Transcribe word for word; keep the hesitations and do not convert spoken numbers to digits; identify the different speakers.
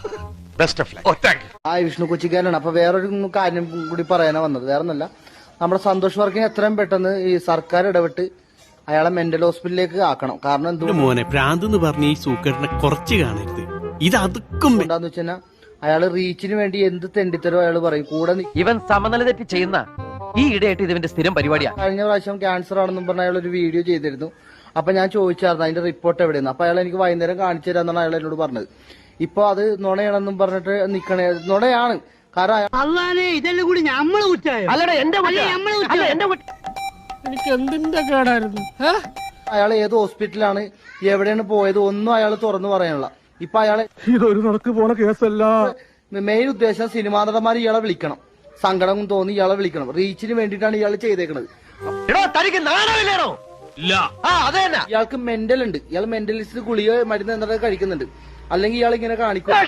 Speaker 1: Best of luck.
Speaker 2: ആ വിഷ്ണു കൊച്ചിക്കാരനാണ്. അപ്പൊ വേറൊരു കാര്യം കൂടി പറയാനാ വന്നത്. വേറെ ഒന്നല്ല, നമ്മുടെ സന്തോഷ് വർക്കിനെ എത്രയും പെട്ടെന്ന് ഈ സർക്കാർ ഇടപെട്ട് അയാളെ മെന്റൽ ഹോസ്പിറ്റലിലേക്ക് ആക്കണം. കാരണം എന്തുകൊണ്ട്
Speaker 3: മോനെ പ്രാന്ത് എന്ന് പറഞ്ഞ ഈ സൂക്കേടിനെ കുറച്ച് കാണരുത്. ഇത് അതുക്കും
Speaker 2: എന്താന്ന് വെച്ചാൽ അയാള് റീച്ചിന് വേണ്ടി എന്ത് തെണ്ടിത്തരോ അയാൾ പറയും. കൂടെ
Speaker 4: ഇവൻ സമനില തെറ്റി ചെയ്യുന്ന ഈ ഇടയായിട്ട് ഇതിന്റെ സ്ഥിരം പരിപാടിയാണ്.
Speaker 2: കഴിഞ്ഞ പ്രാവശ്യം ക്യാൻസർ ആണെന്നും പറഞ്ഞ അയാൾ ഒരു വീഡിയോ ചെയ്തിരുന്നു. അപ്പൊ ഞാൻ ചോദിച്ചായിരുന്നു അതിന്റെ റിപ്പോർട്ട് എവിടെയെന്ന്. അപ്പൊ അയാൾ എനിക്ക് വൈകുന്നേരം കാണിച്ചു തരാന്നാണ് അയാൾ എന്നോട് പറഞ്ഞത്. ഇപ്പൊ അത് നുണയാണെന്നും പറഞ്ഞിട്ട് നിക്കണേ. നുണയാണ്. കാരണം
Speaker 5: ഇതെല്ലാം കൂടി നമ്മള് കുറ്റായോ?
Speaker 4: അല്ലടാ എന്റെ
Speaker 5: എനിക്ക് എന്തിന്റെ കേടായിരുന്നു?
Speaker 2: അയാൾ ഏത് ഹോസ്പിറ്റലാണ് എവിടെയാണ് പോയത് ഒന്നും അയാൾ തുറന്നു പറയാനുള്ള. ഇപ്പൊ അയാളെ
Speaker 6: ഇതൊരു നടക്ക് പോണ കേസല്ല.
Speaker 2: മെയിൻ ഉദ്ദേശം സിനിമാ നടന്മാർ ഇയാളെ വിളിക്കണം, സങ്കടം തോന്നി ഇയാളെ വിളിക്കണം. റീച്ചിന് വേണ്ടിയിട്ടാണ് ഇയാൾ ചെയ്തേക്കണത്. ഇയാൾക്ക് മെന്റൽ ഉണ്ട്. ഇയാൾ മെന്റലിസ്റ്റ് ഗുളിക മരുന്ന് എന്തൊക്കെ കഴിക്കുന്നുണ്ട്. അല്ലെങ്കിൽ ഇയാൾ ഇങ്ങനെ കാണിക്കും.